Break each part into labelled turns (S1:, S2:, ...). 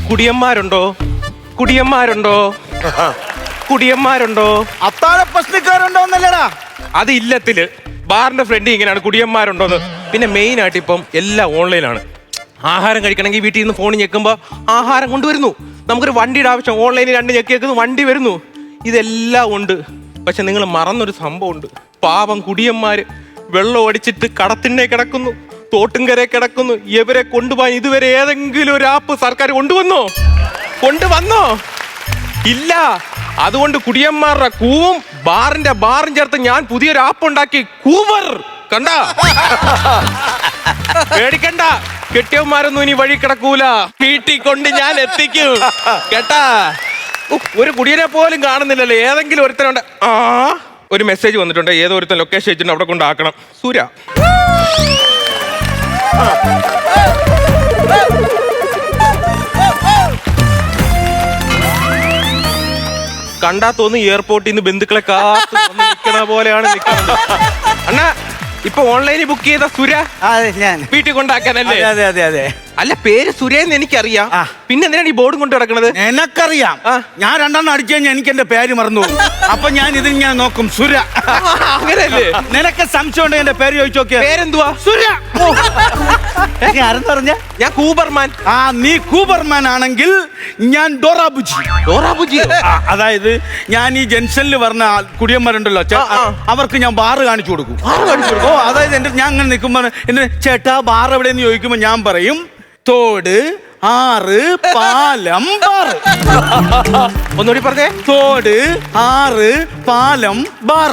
S1: കുടിയന്മാരുണ്ടോ? കുടിയന്മാരുണ്ടോ? കുടിയന്മാരുണ്ടോ?
S2: അത്താഴ പ്രശ്നക്കാരുണ്ടോന്നല്ലടാ.
S1: അത് ഇല്ലത്തില് ബാറിന്റെ ഫ്രണ്ട് ഇങ്ങനെയാണ് കുടിയന്മാരുണ്ടോന്ന്. പിന്നെ മെയിൻ ആയിട്ട് ഇപ്പം എല്ലാം ഓൺലൈനാണ്. ആഹാരം കഴിക്കണമെങ്കിൽ വീട്ടിൽ നിന്ന് ഫോണിൽ ഞെക്കുമ്പോൾ ആഹാരം കൊണ്ടുവരുന്നു. നമുക്കൊരു വണ്ടിയുടെ ആവശ്യം, ഓൺലൈനിൽ 2 ഞെക്കി വെക്കുന്നു, വണ്ടി വരുന്നു. ഇതെല്ലാം ഉണ്ട്. പക്ഷെ നിങ്ങൾ മറന്നൊരു സംഭവമുണ്ട്. പാവം കുടിയന്മാര് വെള്ളം അടിച്ചിട്ട് കടത്തിണ്ണെ കിടക്കുന്നു, തോട്ടുംകരെ കിടക്കുന്നു. ഇവരെ കൊണ്ടുപോകാൻ ഇതുവരെ ഏതെങ്കിലും ഒരു ആപ്പ് സർക്കാർ കൊണ്ടുവന്നോ? ഇല്ല. അതുകൊണ്ട് കുടിയന്മാരുടെ കൂവും ബാറും ചേർത്ത് ഞാൻ പുതിയൊരു ആപ്പ് ഉണ്ടാക്കി. കൂവർ കണ്ട, പേടിക്കണ്ട. കെട്ടിയന്മാരൊന്നും ഇനി വഴി കിടക്കൂല. വീട്ടിൽ കൊണ്ട് ഞാൻ എത്തിക്കും കേട്ടാ. ഒരു കുടിയനെ പോലും കാണുന്നില്ലല്ലോ. ഏതെങ്കിലും ഒരുത്തനുണ്ട്. ഒരു മെസ്സേജ് വന്നിട്ടുണ്ട്. ഏതോ ഒരുത്തൻ ലൊക്കേഷൻ വെച്ചിട്ടുണ്ട്, അവിടെ കൊണ്ടാക്കണം. സൂര്യ കണ്ടാ തോന്നുന്നു എയർപോർട്ടിൽ നിന്ന് ബന്ധുക്കളെ കാത്തു നിൽക്കണ പോലെയാണ് നിൽക്കുന്നത്. അണ്ണാ ഇപ്പൊ ഓൺലൈനിൽ ബുക്ക് ചെയ്ത സുര വീട്ടിൽ കൊണ്ടാക്കാനല്ലേ?
S2: അതെ അതെ അതെ.
S1: അല്ല, പേര് സുരേന്ന് എനിക്കറിയാം. പിന്നെ എന്തിനാണ് ഈ ബോർഡും കൊണ്ട് കിടക്കണത്?
S2: എനക്കറിയാം. ഞാൻ 2 എണ്ണം അടിച്ചു കഴിഞ്ഞാൽ എനിക്ക് എന്റെ പേര് മറന്നു. അപ്പൊ ഞാൻ ഇതിങ്ങനെ നോക്കും. സുര.
S1: അങ്ങനെയല്ലേ?
S2: നിനക്ക് സംശയം ഉണ്ടെങ്കിൽ എന്റെ പേര് ചോദിച്ചു നോക്കിയാ.
S1: പേരെന്തുവാ?
S2: സുര. ആരെന്ന് പറഞ്ഞ?
S1: ഞാൻ കൂബർമാൻ.
S2: നീ കൂബർമാൻ ആണെങ്കിൽ ഞാൻ ഡോറാബുജി.
S1: ഡോറാബുജി?
S2: അതായത് ഞാൻ ഈ ജംഗ്ഷനിൽ പറഞ്ഞ കുടിയന്മാരുണ്ടല്ലോ, അവർക്ക് ഞാൻ ബാറ് കാണിച്ചു കൊടുക്കും. അതായത് ഞാൻ അങ്ങനെ നിൽക്കുമ്പോ എന്നെ ചേട്ടാ ബാർ എവിടെയെന്ന് ചോദിക്കുമ്പോ ഞാൻ പറയും തോട്, ആറ്, പാലം, ബാർ.
S1: ഒന്നുകൂടി പറഞ്ഞേ.
S2: തോട്, ആറ്, പാലം, ബാർ.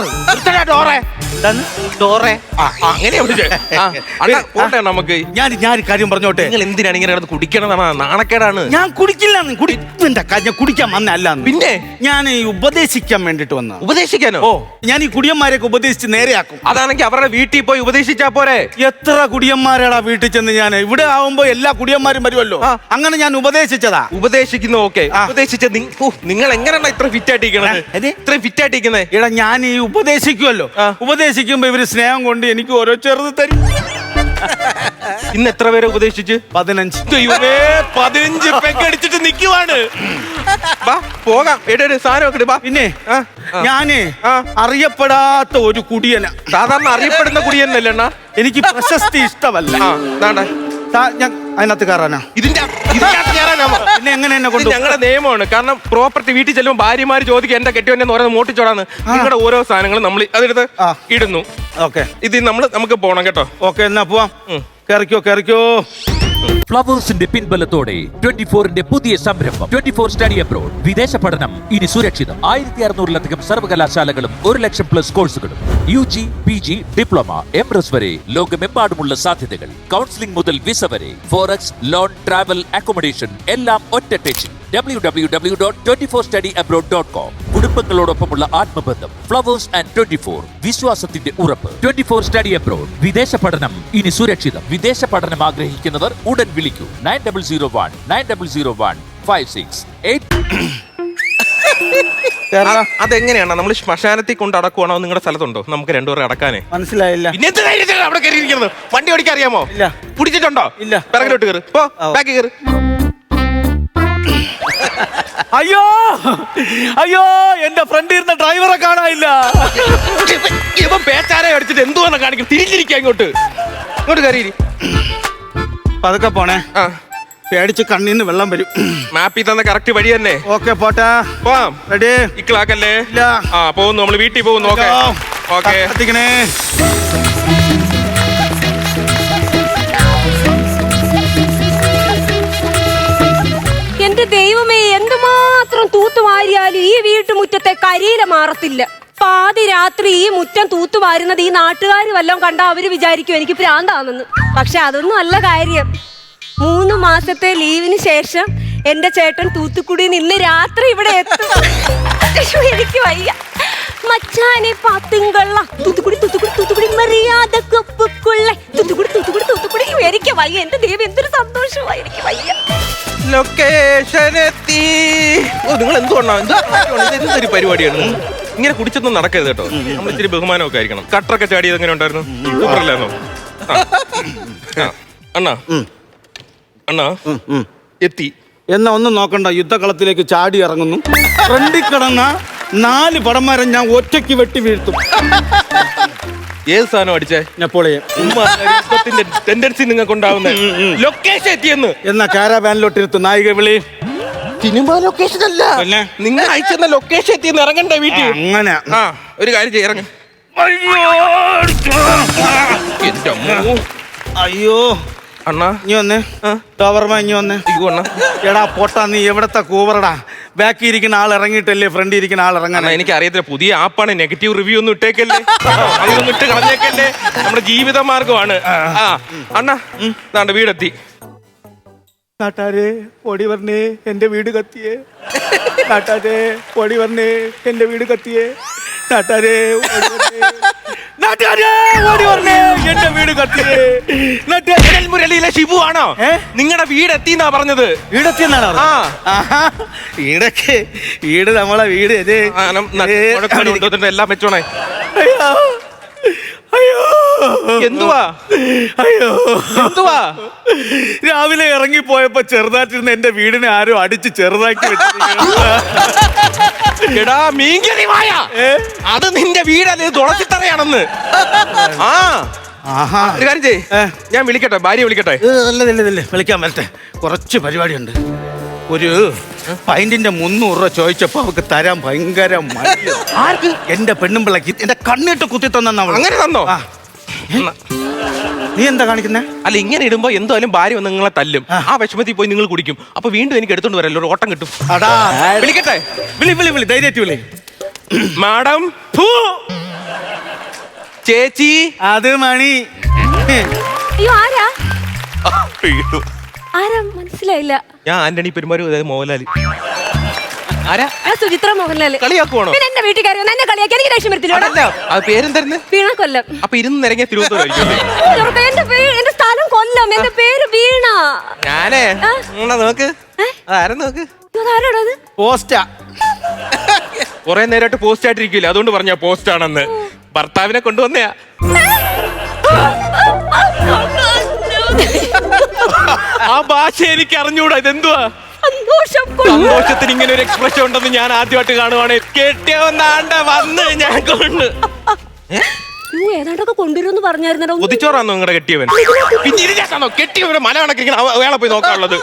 S1: നമുക്ക്
S2: ഞാൻ കാര്യം പറഞ്ഞോട്ടെ.
S1: നിങ്ങൾ എന്തിനാണ് ഇങ്ങനെ കുടിക്കണതാണ്? നാണക്കേടാണ്.
S2: ഞാൻ കുടിക്കില്ല. ഞാൻ കുടിക്കാൻ വന്നല്ല.
S1: പിന്നെ
S2: ഞാൻ ഉപദേശിക്കാൻ വേണ്ടിട്ട് വന്ന.
S1: ഉപദേശിക്കാനോ?
S2: ഞാൻ ഈ കുടിയന്മാരെയൊക്കെ ഉപദേശിച്ച് നേരെയാക്കും.
S1: അതാണെങ്കിൽ അവരുടെ വീട്ടിൽ പോയി ഉപദേശിച്ചാ പോരെ?
S2: എത്ര കുടിയന്മാരാടാ വീട്ടിൽ ചെന്ന്. ഞാൻ ഇവിടെ ആവുമ്പോ എല്ലാ കുടിയന്മാരും വരുമല്ലോ. അങ്ങനെ ഞാൻ ഉപദേശിച്ചതാ.
S1: ഉപദേശിക്കുന്നു. ഓക്കെ, ഉപദേശിച്ച നിങ്ങൾ എങ്ങനെയാണ് ഇത്ര ഫിറ്റ് ആയിട്ടിരിക്കണത്? ഇത്രയും ഫിറ്റ് ആയിട്ടിരിക്കുന്നത്?
S2: എടാ ഞാൻ ഈ ഉപദേശിക്കുമല്ലോ. ഉപദേശിക്കുമ്പോ ഇവര് സ്നേഹം കൊണ്ട് എനിക്ക് ഓരോ ചെറുത് തരും.
S1: ഇന്ന് എത്ര പേരെ ഉപദേശിച്ച്?
S2: 15.
S1: 15 പെക്കടിച്ചിട്ട് നിൽക്കുവാണ്. പോകാം. സാധനം.
S2: പിന്നെ ഞാന് അറിയപ്പെടാത്ത ഒരു കുടിയന.
S1: സാധാരണ അറിയപ്പെടുന്ന കുടിയനല്ലേ അണ്ണാ?
S2: എനിക്ക് പ്രശസ്തി ഇഷ്ടമല്ല. ഞാൻ അതിനകത്ത് കയറാനാ.
S1: പിന്നെ
S2: എങ്ങനെ എന്നെ കൊണ്ട്?
S1: ഞങ്ങളുടെ നിയമമാണ്. കാരണം പ്രോപ്പർട്ടി വീട്ടിൽ ചെല്ലുമ്പോൾ ഭാര്യമാര് ചോദിക്കും എന്റെ കെട്ടിയോന്നെ പറയുന്നത് മോട്ടിച്ചോടാന്ന്. നിങ്ങളുടെ ഓരോ സാധനങ്ങളും നമ്മൾ അതെടുത്ത് ഇടുന്നു.
S2: ഓക്കെ,
S1: ഇത് നമുക്ക് പോണം കേട്ടോ.
S2: ഓക്കെ, എന്നാ പോവാം. കേറിക്കോ.
S3: ഫ്ലവേഴ്സിന്റെ പിൻബലത്തോടെ 24ന്റെ പുതിയ സംരംഭം 24 സ്റ്റഡി അബ്രോഡ്. വിദേശ പഠനം ഇനി സുരക്ഷിതം. 1600-ലധികം സർവകലാശാലകളും 1,00,000+ കോഴ്സുകളും. UG, PG, ഡിപ്ലോമ, MRS വരെ ലോകമെമ്പാടുമുള്ള സാധ്യതകൾ. കൗൺസിലിംഗ് മുതൽ വിസ വരെ. ഫോറക്സ്, ലോൺ, ട്രാവൽ, അക്കോമഡേഷൻ എല്ലാം ഒറ്റ ടെച്ചിൽ. www.24studyabroad.com. കുടുംബങ്ങളോടൊപ്പമുള്ള ആത്മബന്ധം. ഫ്ലവേഴ്സ് ആൻഡ് 24 വിശ്വാസത്തിന്റെ ഉറപ്പ്. 24 സ്റ്റഡി അബ്രോഡ്. വിദേശ പഠനം ഇനി സുരക്ഷിതം. വിദേശ പഠനം ആഗ്രഹിക്കുന്നവർ ഉടൻ വിളിക്കൂ. 9001
S1: അതെങ്ങനെയാണ്? നമ്മൾ ശ്മശാനത്തിൽ കൊണ്ട് അടക്കുവാണോ? നിങ്ങളുടെ സ്ഥലത്തുണ്ടോ? നമുക്ക് 2 പേരെ അടക്കാനേ.
S2: മനസ്സിലായില്ല.
S1: അവിടെ കയറിയിരിക്കുന്നത് വണ്ടി ഓടിക്കാൻ അറിയാമോ?
S2: ഇല്ല.
S1: പിടിച്ചിട്ടുണ്ടോ?
S2: ഇല്ല.
S1: പിറകിലോട്ട് കയറി പോ. ബാക്കി കയറി.
S2: അയ്യോ എന്റെ ഫ്രണ്ട് ഇരുന്ന ഡ്രൈവറെ കാണാനില്ല.
S1: ഇവൻ പേച്ചാരെ അടിച്ചിട്ട് എന്തുവാന്ന് കാണിക്കും. തിരിഞ്ഞിരിക്കുക. ഇങ്ങോട്ട് കയറി.
S2: പതുക്കെ പോണേ. പേടിച്ച് കണ്ണീന്ന് വെള്ളം വരും.
S1: മാപ്പിൽ തന്ന കറക്റ്റ് വഴി തന്നെ.
S2: ഓക്കെ, പോട്ടെ.
S1: പോവാം.
S2: റെഡി?
S1: ഇക്ലാക്കല്ലേ?
S2: ഇല്ല.
S1: പോകുന്നു. നമ്മൾ വീട്ടിൽ പോകുന്നു. ഓക്കെ.
S2: എത്തിക്കണേ.
S4: എന്റെ ദൈവമേ, എന്തുമാത്രം തൂത്തുവാരിയാലും ഈ വീട്ടുമുറ്റത്തെ കരിയില മാറത്തില്ല. പാതി രാത്രി ഈ മുറ്റം തൂത്തുവാരുന്നത് ഈ നാട്ടുകാർ വല്ലതും കണ്ടാ അവര് വിചാരിക്കും എനിക്ക് ഭ്രാന്താണെന്ന്. പക്ഷെ അതൊന്നും അല്ല കാര്യം. 3 മാസത്തെ ലീവിന് ശേഷം എന്റെ ചേട്ടൻ തൂത്തുക്കുടിയിൽ നിന്ന് രാത്രി ഇവിടെ എത്തും. എനിക്ക് വയ്യ. മച്ചാനെ പാത്തിങ്കള തൂത്തുക്കുടി മറിയാത കൊപ്പുക്കുള്ള തൂത്തുക്കുടി എനിക്ക് വയ്യ. എന്റെ ദൈവം, എന്തൊരു സന്തോഷമായി. എനിക്ക് വയ്യ.
S1: ലൊക്കേഷൻ എത്തി. നിങ്ങൾ എന്തൊരു പരിപാടിയാണ്? ഇങ്ങനെ കുടിച്ചൊന്നും നടക്കരുത് കേട്ടോ. നമ്മൾ ഇച്ചിരി ബഹുമാനമൊക്കെ ആയിരിക്കണം. കട്ടറൊക്കെ ചാടിയത് എങ്ങനെ ഉണ്ടായിരുന്നു? സൂപ്പറല്ലായിരുന്നോ? അണ്ണാ എത്തി.
S2: എന്നാ ഒന്നും നോക്കണ്ട, യുദ്ധകളത്തിലേക്ക് ചാടി ഇറങ്ങുന്നു. ഫ്രണ്ടിൽ കിടന്ന 4 പടന്മാരെ ഞാൻ ഒറ്റയ്ക്ക് വെട്ടി വീഴ്ത്തും.
S1: ഏത് സാധനം അടിച്ചേ?
S2: നെപ്പോളിയൻ.
S1: യുദ്ധത്തിന്റെ ടെൻഡൻസി നിങ്ങൾക്ക് ഉണ്ടാവുന്ന ലൊക്കേഷൻ എത്തിയെന്ന്.
S2: എന്നാ കാരാവാനിലോട്ടിരുത്ത് നായിക വിളി.
S1: സിനിമ ലൊക്കേഷൻ അല്ല,
S2: പിന്നെ
S1: നിങ്ങൾ അയച്ചെന്ന ലൊക്കേഷൻ എത്തിയെന്ന് ഇറങ്ങണ്ടേ വീട്ടിൽ?
S2: അങ്ങനെ
S1: ആ ഒരു കാര്യം ചെയ്യ, ഇറങ്ങ. എന്റെ അമ്മോ.
S2: അയ്യോ
S1: അണ്ണാ
S2: ഇനി വന്നേ. ടവർമ ഇനി വന്നേ.
S1: അണ്ണാ
S2: എടാ പൊട്ടാ, നീ എവിടത്തെ കൂവറടാ? ബാക്കി ഇരിക്കുന്ന ആൾ ഇറങ്ങിയിട്ടല്ലേ ഫ്രണ്ടിൽ ഇരിക്കുന്ന ആൾ ഇറങ്ങാൻ?
S1: എനിക്ക് അറിയത്തില്ല, പുതിയ ആപ്പാണ്. നെഗറ്റീവ് റിവ്യൂ ഒന്നും ഇട്ടേക്കല്ലേ, അതൊന്നും ഇട്ട് കളഞ്ഞേക്കല്ലേ. നമ്മുടെ ജീവിത മാർഗമാണ്. ആ അണ്ണാ നാണ്ട വീടെത്തി.
S2: നാട്ടാരെ ഓടി വരണേ, എന്റെ വീട് കത്തിയേ. നാട്ടാരെ ഓടി വരണേ, എന്റെ വീട് കത്തിയേ. നാട്ടാരെ ഓടി വരണേ. നാട്ടാരെ ഓടി വരണേ, എന്റെ വീട് കത്തിയേ.
S1: മുരളിയിലെ ഷിബു ആണോ? നിങ്ങളുടെ വീടെത്തി എന്നാ പറഞ്ഞത്.
S2: വീടെത്തിയെന്നാണോ? വീടൊക്കെ വീട് നമ്മളെ വീട് ഇത്.
S1: എല്ലാം വെച്ചോണേ.
S2: അയ്യോ അയ്യോ
S1: എന്തുവാ
S2: അയ്യോ
S1: എന്തുവാ?
S2: രാവിലെ ഇറങ്ങിപ്പോയപ്പോ ചെറുതായിട്ടിരുന്ന എന്റെ വീടിനെ ആരോ അടിച്ച് ചെറുതാക്കി വെച്ചിരിക്കുന്നു.
S1: എടാ മീൻകറി വായ, അത് നിന്റെ വീടല്ലേ, തുളച്ചിത്തറയാണെന്ന്. ഒരു കാര്യം ചെയ്യ്, ഞാൻ വിളിക്കട്ടെ, ഭാര്യ വിളിക്കട്ടെ.
S2: വിളിക്കാൻ വരട്ടെ, കുറച്ച് പരിപാടിയുണ്ട്. ഒരു പൈന്റിന്റെ 300 രൂപ ചോദിച്ചപ്പോ അവക്ക് തരാൻ ഭയങ്കര മടി.
S1: ആർക്ക്?
S2: എന്റെ പെണ്ണുമ്പിള്ളക്ക് എന്റെ കണ്ണിട്ട് കുത്തി തന്ന.
S1: അങ്ങനെ തന്നോ?
S2: നീ എന്താ കാണിക്കുന്നേ?
S1: അല്ല, ഇങ്ങനെ ഇടുമ്പോ എന്തായാലും ഭാര്യ വന്ന് നിങ്ങളെ തല്ലും. ആ വിഷമത്തിൽ പോയി നിങ്ങൾ കുടിക്കും. അപ്പൊ വീണ്ടും എനിക്ക് എടുത്തോണ്ട് വരല്ലോ, ഒരു ഓട്ടം കിട്ടും.
S2: അടാ
S1: വിളിക്കട്ടെ?
S2: വിളി ധൈര്യമായിട്ട് വിളി.
S1: മാഡം. ചേച്ചി.
S2: അത് മണി.
S4: അയ്യോ ആരാ? ആരാ മനസ്സിലായില്ല.
S1: ഞാൻ ആന്റണി പെരുമാരും, അതായത് മോഹൻലാല്. ആരാ?
S4: സുചിത്ര മോഹൻലാല്.
S1: കളിയാക്കുവാണോ?
S4: പിന്നെ എന്റെ വീട്ടിൽ കയറി എന്നെ കളിയാക്കി എനിക്ക് ദേഷ്യം വരത്തില്ല.
S1: അത് പേരെന്തായിരുന്നു?
S4: വീണ കൊല്ലം.
S1: അപ്പൊ ഇരുന്ന് നിരങ്ങിയ തിരുവനന്തപുരം.
S4: എന്റെ സ്ഥലം കൊല്ലം, എന്റെ പേര് വീണ.
S1: ഞാനേ നോക്ക്, അതാരും നോക്ക്.
S4: അതാരാടത്?
S2: പോസ്റ്റാ.
S1: കുറെ നേരമായിട്ട് പോസ്റ്റ് ആയിട്ടിരിക്കില്ല, അതുകൊണ്ട് പറഞ്ഞ പോസ്റ്റ് ആണെന്ന്. ഭർത്താവിനെ കൊണ്ടുവന്നയാ. ആ ഭാഷ എനിക്ക് അറിഞ്ഞൂടാ. ഇതെന്തുവാ? സന്തോഷത്തിന് ഇങ്ങനെ ഒരു എക്സ്പ്രഷൻ ഉണ്ടെന്ന് ഞാൻ ആദ്യമായിട്ട് കാണുവാണ്. കെട്ടിയവന്നാണ്ട വന്ന് ഞാൻ കൊണ്ട്
S4: ഏതാണ്ടൊക്കെ കൊണ്ടുവരുമെന്ന് പറഞ്ഞായിരുന്നോ?
S1: കുതിച്ചോറാന്നോ നിങ്ങളുടെ കെട്ടിയവൻ? പിന്നെ ഇതിനകത്താണോ കെട്ടിയവരെ മല കണക്കിരിക്കണം? അയാളെ പോയി നോക്കാനുള്ളത്.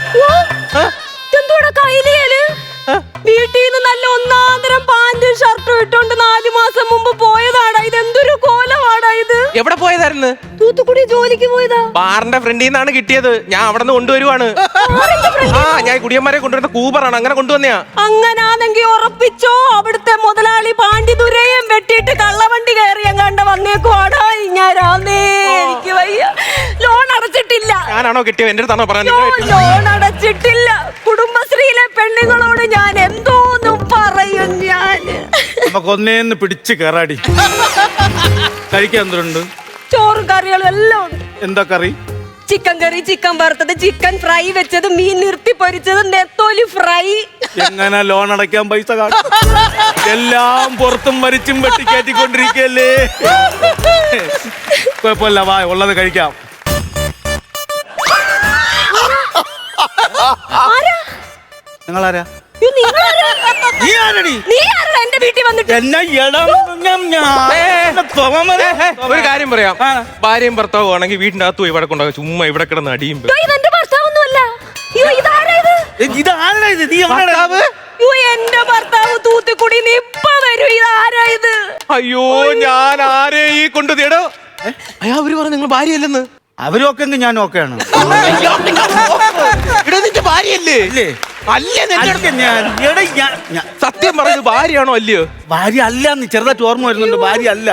S4: വീട്ടിൽ നിന്ന് നല്ല ഒന്നാന്തരം പാന്റും ഷർട്ടും ഇട്ടോണ്ട് 4 മാസം മുമ്പ് പോയതാടാ. ഇതെന്തൊരു കോലമാടാ ഇത്.
S1: എവിടെ പോയതായിരുന്നു?
S4: തൂത്തുക്കുടി ജോലിക്ക് പോയതാ.
S1: ബാറിന്റെ ഫ്രണ്ടിൽ നിന്നാണ് കിട്ടിയത്. ഞാൻ അവിടെ നിന്ന് കൊണ്ടുവരുവാണ്. ഞാൻ കുടിയന്മാരെ കൊണ്ടുവരുന്ന കൂബറാണ്, അങ്ങനെ കൊണ്ടുവന്നയാ.
S4: അങ്ങനാണെങ്കി ഉറപ്പിച്ചോ, അവിടുത്തെ മുതലാളി പാണ്ടി ദുരയും വെട്ടിയിട്ട് കള്ളവണ്ടി കയറി കണ്ട വന്നേക്കുവാടാ. എനിക്ക് വയ്യ. ലോൺ അടച്ചിട്ടില്ല.
S1: ഞാനാണോ കിട്ടിയത്? എന്റെ അടുത്താണോ പറഞ്ഞത്?
S4: ലോൺ അടച്ചിട്ടില്ല. കുടുംബശ്രീയിലെ പെണ്ണുങ്ങളോട് ഞാൻ എന്തോന്നും പറയും. ഞാൻ
S2: നമുക്കൊന്നേന്ന് പിടിച്ച് കയറാടി. കഴിക്കാൻ എന്തുണ്ട്?
S4: ചോറും കറികളും എല്ലാം ഉണ്ട്.
S2: എന്താ കറി?
S4: ചിക്കൻ കറി, ചിക്കൻ വറുത്തത്, ചിക്കൻ ഫ്രൈ വെച്ചത്, മീൻ നിർത്തി പൊരിച്ചത്, നെത്തോലി ഫ്രൈ.
S2: എങ്ങനെ ലോൺ അടയ്ക്കാൻ പൈസ കാണും? എല്ലാം പുറത്തും മരിച്ചും വെട്ടിക്കയറ്റിക്കൊണ്ടിരിക്കല്ലേ. കുഴപ്പമില്ല, വാ, ഉള്ളത് കഴിക്കാം. നിങ്ങളാരാ?
S4: എന്റെ വീട്ടിൽ വന്നിട്ട്
S1: ഒരു കാര്യം പറയാം. ഭാര്യയും ഭർത്താവും ആണെങ്കിൽ വീടിന്റെ അകത്ത് പോയി ഇവിടെ കൊണ്ടാകും. ചുമ്മാ ഇവിടെ കിടന്ന് അടിയും.
S4: എന്റെ ഭർത്താവൊന്നുമല്ല. എന്റെ ഭർത്താവ് തൂത്തുക്കുടി ഇപ്പൊ വരും. ഇതാരാ ഇത്?
S1: അയ്യോ, ഞാൻ ആരെ ഈ കൊണ്ടു തേടോ? അയ്യോ, അവര് പറഞ്ഞു നിങ്ങൾ ഭാര്യയല്ലെന്ന്.
S2: അവരൊക്കെ ഞാൻ ഓക്കെയാണ്.
S1: ഭാര്യയല്ലേ? സത്യം പറഞ്ഞത് ഭാര്യയാണോ അല്ലയോ?
S2: ഭാര്യ അല്ല. നീ ചെറുതായിട്ട് ഓർമ്മ വരുന്നുണ്ട്. ഭാര്യ അല്ല.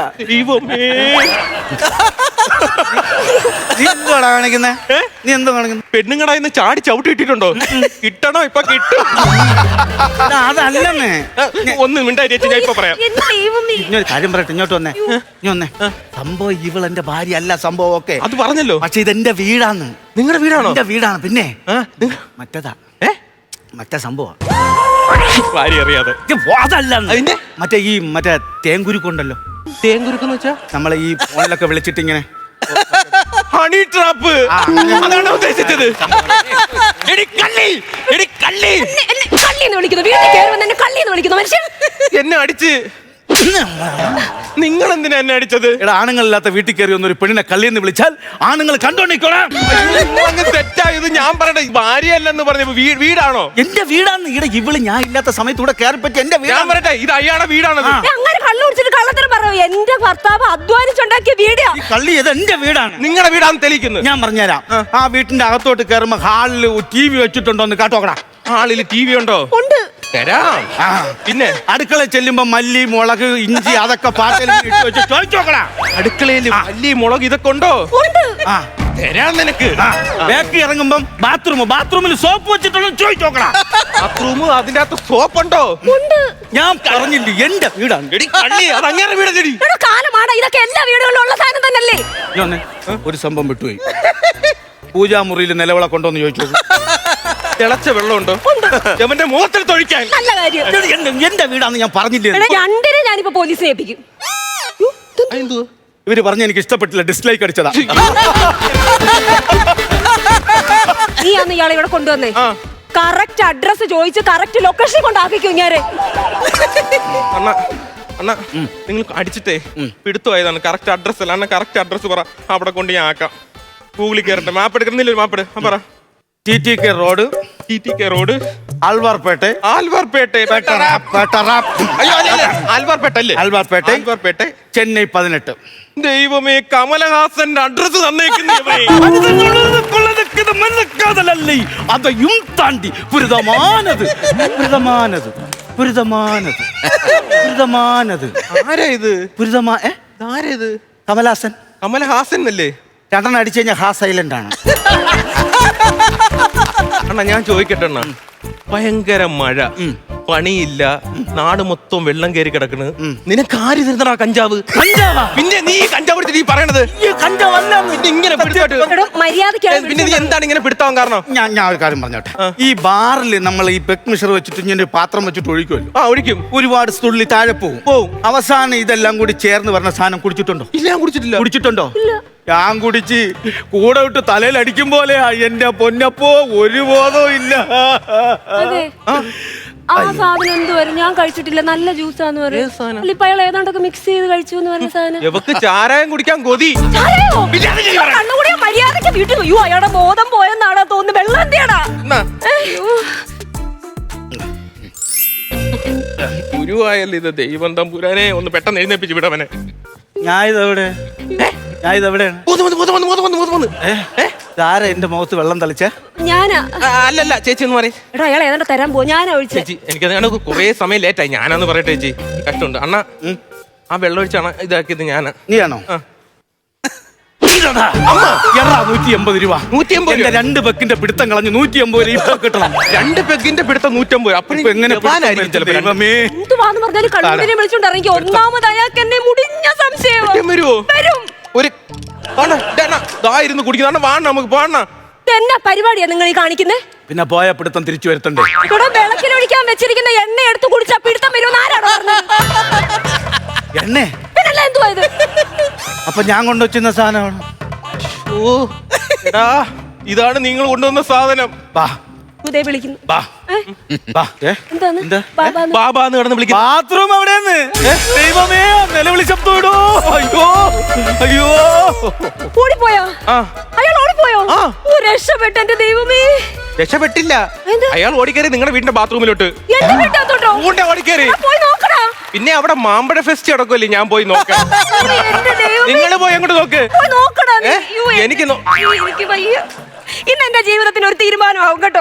S2: നീ എന്തുവാടാ കാണിക്കുന്നേ? നീ എന്തോ കാണിക്കുന്നു?
S1: പെണ്ണുങ്ങടാ ഇന്ന് ചാടി ചവിട്ടി ഇട്ടിട്ടുണ്ടോ? കിട്ടണോ? ഇപ്പൊ കിട്ടും.
S2: അതല്ലെന്നേ.
S1: ഒന്ന് മിണ്ടായി, ഞാൻ ഇപ്പൊ പറയാം.
S2: കാര്യം പറയട്ടെ, ഇങ്ങോട്ട് വന്നേ. നീ വന്നേ. സംഭവം ഇവൾ എന്റെ ഭാര്യ അല്ല. സംഭവം ഒക്കെ
S1: അത് പറഞ്ഞല്ലോ.
S2: പക്ഷെ ഇതെന്റെ വീടാണ്.
S1: നിങ്ങളുടെ വീടാണോ?
S2: എന്റെ വീടാണ്. പിന്നെ മറ്റേതാ, മറ്റേ സംഭവം
S1: ഭാര്യ അറിയാതെ.
S2: അതല്ല, മറ്റേ തേങ്കുരുക്കുണ്ടല്ലോ.
S1: തേങ്കുരുക്കെന്ന് വെച്ചാ
S2: നമ്മളെ ഈ ഫോണിലൊക്കെ വിളിച്ചിട്ട് ഇങ്ങനെ
S1: ഹണി ട്രാപ്പ് അതാണ് ഉദ്ദേശിച്ചത്. എടി കള്ളി, എടി കള്ളി.
S4: എന്നെ കള്ളിന്ന് വിളിക്കുന്നു, വീട്ടിൽ കയറുമ്പോൾ തന്നെ കള്ളിന്ന് വിളിക്കുന്നു മനുഷ്യൻ.
S1: എന്നെ അടിച്ച്. നിങ്ങൾ എന്തിനാ എന്നെ അടിച്ചത്?
S2: എടാ, ആണുങ്ങളില്ലാത്ത വീട്ടിൽ കയറി വന്നൊരു പെണ്ണിനെ കള്ളിയെന്ന് വിളിച്ചാൽ ആണുങ്ങൾ കണ്ടോണ്ടിരിക്കണം.
S1: തെറ്റായത് ഞാൻ പറയട്ടെ. ഭാര്യയല്ലെന്ന് പറഞ്ഞ വീടാണോ?
S2: എന്റെ വീടാന്ന്. ഇവിടെ ഇവള് ഞാൻ ഇല്ലാത്ത സമയത്ത് ഇവിടെ കയറി പറ്റി എന്റെ
S1: ഞാൻ
S2: വീടാണ്.
S1: പറയട്ടെ, ഇത് അയാളുടെ വീടാണത്.
S4: അങ്ങനെ കള്ളു കുടിച്ചിട്ട് കള്ളത്തരം പറയൂ. എന്റെ ഭർത്താവ് അധ്വാനിച്ചുണ്ടാക്കിയ വീടാ.
S2: ഈ കള്ളി ഇത് എന്റെ വീടാണ്.
S1: നിങ്ങളുടെ വീടാന്ന് തെളിയിക്കുന്നു.
S2: ഞാൻ പറഞ്ഞുതരാം. ആ വീട്ടിന്റെ അകത്തോട്ട് കയറുമ്പോ ഹാളിൽ TV വെച്ചിട്ടുണ്ടോ എന്ന് കാട്ടോക്കടാ.
S1: ഹാളിൽ TV ഉണ്ടോ?
S4: ഉണ്ട്.
S1: തരാം. പിന്നെ
S2: അടുക്കള ചെല്ലുമ്പോ മല്ലി, മുളക്, ഇഞ്ചി അതൊക്കെ പാത്രത്തിൽ ഇട്ട് വെച്ച് ചോദിച്ചോക്കടാ.
S1: അടുക്കളയിൽ മല്ലി, മുളക് ഇതൊക്കെ ഉണ്ടോ?
S4: ഉണ്ട്.
S2: ആ,
S1: തരാം നിനക്ക്.
S2: ബാക്കി ഇറങ്ങുമ്പം ബാത്റൂമിൽ സോപ്പ് വെച്ചിട്ടുണ്ടോ ചോദിച്ചോക്കടാ.
S1: ബാത്റൂം അതിന്റെ അകത്ത് സോപ്പ് ഉണ്ടോ?
S4: ഉണ്ട്.
S2: ഞാൻ പറഞ്ഞില്ല എന്റെ വീടാണ്.
S1: എടി കള്ളി, അത് അങ്ങനെ വീടല്ലടി.
S4: എടാ, കാലമാണ് ഇതൊക്കെ എല്ലാ വീടുകളിലും ഉള്ള സാധനം തന്നെയല്ലേ?
S2: ഞാൻ ഒരു സംഭവം വിട്ടുപോയി. പൂജാമുറിയിൽ നിലവിള കൊണ്ടോന്ന് ചോദിച്ചു.
S1: തിളച്ച വെള്ളമുണ്ടോ? എവന്റെ മുഖത്തിൽ തൊഴിക്കാൻ.
S4: നല്ല കാര്യം.
S2: എന്റെ വീടാന്ന് ഞാൻ പറഞ്ഞില്ലേ.
S4: എടാ, രണ്ടിനെ ഞാനിപ്പോ പോലീസിനെ ഏൽപ്പിക്കും.
S2: ഇവര് പറഞ്ഞ എനിക്ക് ഇഷ്ടപ്പെട്ടില്ല, ഡിസ്ലൈക്ക് അടിച്ചതാ.
S4: നീ അന്ന് ഇയാളെ ഇവിടെ കൊണ്ടുവന്നേ. കറക്റ്റ് അഡ്രസ് ചോദിച്ച് കറക്റ്റ് ലൊക്കേഷൻ കൊണ്ടാക്കിക്കോ ഞാന്.
S1: അണ്ണ അണ്ണ നിങ്ങൾ അടിച്ചിട്ടേ പിടുത്തുപോയതാണ്. കറക്റ്റ് അഡ്രസ് അല്ല. അണ്ണ കറക്റ്റ് അഡ്രസ് പറ, അവിടെ കൊണ്ട് ഞാൻ ആക്കാം. ഗൂഗിളിൽ കയറട്ടെ. മാപ്പ് എടുക്കുന്നില്ല, ഒരു മാപ്പ് എടു. പറ.
S2: TTK road,
S1: TTK road,
S2: Alwarpet,
S1: Alwarpet. അയ്യോ അല്ല, ആൽവാർപേട്ട അല്ലേ? ആൽവാർപേട്ട,
S2: ചെന്നൈ 18.
S1: ദൈവമേ, കമലഹാസന്റെ അഡ്രസ് തന്നേക്കുന്നേ.
S2: അതെയും താണ്ടി പുരിതമാനത്.
S1: ആരാ ഇത്? ആരാ ഇത്?
S2: കമലഹാസൻ.
S1: കമലഹാസൻ അല്ലേ?
S2: രണ്ടെണ്ണം അടിച്ചു കഴിഞ്ഞാൽ ഹാ സൈലന്റ് ആണ്.
S1: അണ്ണാ ഞാൻ ചോദിക്കട്ടെ അണ്ണാ, ഭയങ്കര മഴ, പണിയില്ല, നാട് മൊത്തം വെള്ളം കയറി കിടക്കണ്. നിനക്ക് ആര് തരുന്നടാ കഞ്ചാവ്? പിന്നെ നീ കഞ്ചാവ് എടുത്തിട്ട് ഈ പറയണത് ഇങ്ങനെ പിന്നെ നീ എന്താണ് ഇങ്ങനെ പിടുത്താൻ കാരണം?
S2: ഞാൻ ഒരു കാര്യം പറഞ്ഞോട്ടെ. ഈ ബാറിൽ നമ്മൾ ഈ പെക് മിഷർ വെച്ചിട്ട് ഇങ്ങനെ ഒരു പാത്രം വെച്ചിട്ട് ഒഴിക്കുമല്ലോ.
S1: ഒഴിക്കും.
S2: ഒരുപാട് തുള്ളി താഴെ പോവും. അവസാനം ഇതെല്ലാം കൂടി ചേർന്ന് പറഞ്ഞ സാധനം കുടിച്ചിട്ടുണ്ടോ?
S1: ഇല്ല, ഞാൻ കുടിച്ചിട്ടില്ല.
S2: കുടിച്ചിട്ടുണ്ടോ? ഞാൻ കുടിച്ച് കൂടെ വിട്ട് തലയിൽ അടിക്കും പോലെയാ. എന്റെ പൊന്നപ്പോ ഒരു ബോധവും ഇല്ല.
S4: ആ സാധനം എന്തുവരും ഞാൻ കഴിച്ചിട്ടില്ല. നല്ല ജ്യൂസാന്ന് പറയും. ഇപ്പൊ അയാൾ ഏതാണ്ടൊക്കെ മിക്സ് ചെയ്ത് കഴിച്ചു എന്ന് പറഞ്ഞ സാധനം.
S1: ഇവക്ക് ചാരായം കുടിക്കാൻ കൊതി.
S4: കണ്ണുകൂടിയ മര്യാദക്ക് വീട്ടിൽ പോയി. അയാളുടെ ബോധം പോയെന്നാടാ തോന്നുന്നു. വെള്ളം എന്തിയാടാ?
S1: ഗുരുവായല്ലോ ഇത്. ദൈവം തമ്പുരാനെ ഒന്ന് പെട്ടെന്ന് എഴുന്നേപ്പിച്ച് വിടവനെ.
S2: ഞാൻ ഇതെവിടെയാണ്? ആരാ എന്റെ മുഖത്ത് വെള്ളം തളിച്ചേ?
S4: ഞാനാ.
S1: അല്ലല്ല ചേച്ചി എന്ന് പറയും.
S4: എടാ, അയാൾ ഏതാണ്ട് തരാൻ പോ. ഞാനാ ഒഴിച്ചേ.
S1: ചേച്ചി എനിക്കത് കുറെ സമയം ലേറ്റായി. ഞാനാന്ന് പറയട്ടെ ചേച്ചി, കഷ്ടമുണ്ട്. അണ്ണ ആ വെള്ളം ഒഴിച്ചാണ് ഇതാക്കിയത് ഞാനാ.
S2: നീയാണോ? 180 രൂപ. 180. 2 പെക്കിന്റെ പിടുത്തം കളഞ്ഞ് 180 രൂപ ഇപ്പൊ കിട്ടണം.
S1: 2 പെക്കിന്റെ പിടുത്തം 150. അപ്പൊ
S2: എങ്ങനെ
S4: എന്തുവാന്ന് പറഞ്ഞാലും കണ്ണൂരിനെ വിളിച്ചോണ്ട് ഇറങ്ങി. ഒന്നാമത് അയാൾക്ക് എന്നെ മുടിഞ്ഞ സംശയം വരും.
S1: ഒരു ഇരുന്ന് കുടിക്കുന്ന വാണ നമുക്ക് പോണ.
S4: എന്നാ പരിപാടിയാ നിങ്ങൾ ഈ കാണിക്കുന്നേ?
S2: പിന്നെ പോയ പിടുത്തം തിരിച്ചു വരുത്തണ്ടേ?
S4: ഇവിടെ വിളക്കിലൊഴിക്കാൻ വെച്ചിരിക്കുന്ന എണ്ണ എടുത്ത് കുടിച്ചാ പിടുത്തം വരുമെന്ന് ആരാണോ പറഞ്ഞത്?
S2: എണ്ണേ?
S4: പിന്നല്ല എന്തുവാ ഇത്?
S2: അപ്പൊ ഞാൻ കൊണ്ടുവച്ചിരുന്ന സാധനമാണ്.
S1: ഇതാണ് നിങ്ങൾ കൊണ്ടുവന്ന സാധനം.
S4: വിളിക്കുന്നു.
S1: ബാബാന്ന് കിടന്ന് വിളിക്കുന്നു.
S2: ബാത്റൂം എവിടെയെന്ന്? ദൈവമേ, നിലവിളി ശബ്ദം ഇടോ. അയ്യോ
S4: ഓടിപ്പോയോ? അയാൾ ഓടിപ്പോയോ? രക്ഷപ്പെട്ട എന്റെ ദൈവമേ.
S1: രക്ഷപ്പെട്ടില്ല. അയാൾ ഓടിക്കേറി നിങ്ങളുടെ വീടിന്റെ ബാത്റൂമിലോട്ട്. ഓടിക്കേറി. പിന്നെ അവിടെ മാമ്പഴ ഫെസ്റ്റ് നടക്കുമല്ലേ, ഞാൻ പോയി നോക്കാം. നിങ്ങൾ പോയി അങ്ങോട്ട് നോക്ക്. എനിക്ക്
S4: ഇന്ന് എന്റെ ജീവിതത്തിന് ഒരു തീരുമാനമാവും കേട്ടോ.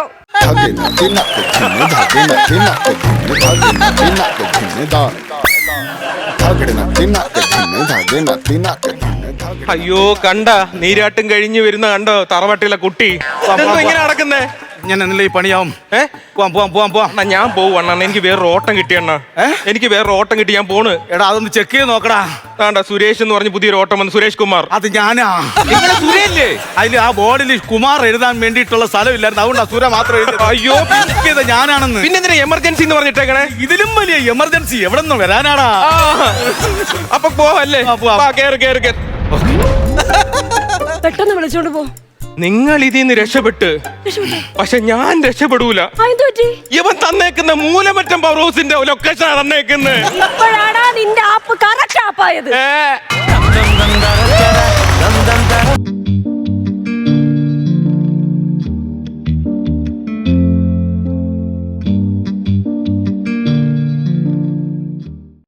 S1: അയ്യോ, കണ്ട നീരാട്ടും കഴിഞ്ഞു വരുന്ന കണ്ടോ തറവാട്ടിലെ കുട്ടി. ഇങ്ങനെ നടക്കുന്നേ.
S2: ഞാൻ എന്നല്ലേ ഈ പണിയാവും.
S1: പോവാം. ഞാൻ പോവാ. എനിക്ക് വേറൊരു ഓട്ടം കിട്ടിയണ്ണ. എനിക്ക് വേറൊരു ഓട്ടം കിട്ടി. ഞാൻ പോണ്.
S2: എടാ, അതൊന്ന് ചെക്ക് ചെയ്ത് നോക്കടാ.
S1: വേണ്ട, സുരേഷ് എന്ന് പറഞ്ഞ് പുതിയൊരു ഓട്ടം വന്നു. സുരേഷ് കുമാർ.
S2: അത് ഞാനാ.
S1: സുരേഷല്ലേ?
S2: അതില് ആ ബോർഡിൽ കുമാർ എഴുതാൻ വേണ്ടിയിട്ടുള്ള സ്ഥലമില്ലായിരുന്നു. അതുകൊണ്ട് സുര മാത്രം എഴുതി.
S1: അയ്യോ,
S2: ഞാനാണെന്ന്.
S1: പിന്നെ എന്തിനാ എമർജൻസി എന്ന് പറഞ്ഞിട്ടേക്കണേ?
S2: ഇതിലും വലിയ എമർജൻസി എവിടെ നിന്ന് വരാനാടാ?
S1: അപ്പൊ പോവല്ലേ? കേറ്.
S4: പെട്ടെന്ന് വിളിച്ചോണ്ട് പോ.
S1: നിങ്ങൾ ഇതിന്ന് രക്ഷപ്പെട്ട്, പക്ഷെ ഞാൻ രക്ഷപ്പെടൂല. ഇവൻ തന്നേക്കുന്ന മൂലമറ്റം പവർ ഹൗസിന്റെ ലൊക്കേഷൻ തന്നേക്കുന്നത്.
S4: ഇപ്പോഴാണ് നിന്റെ ആപ്പ് കറക്റ്റ് ആപ്പായത്.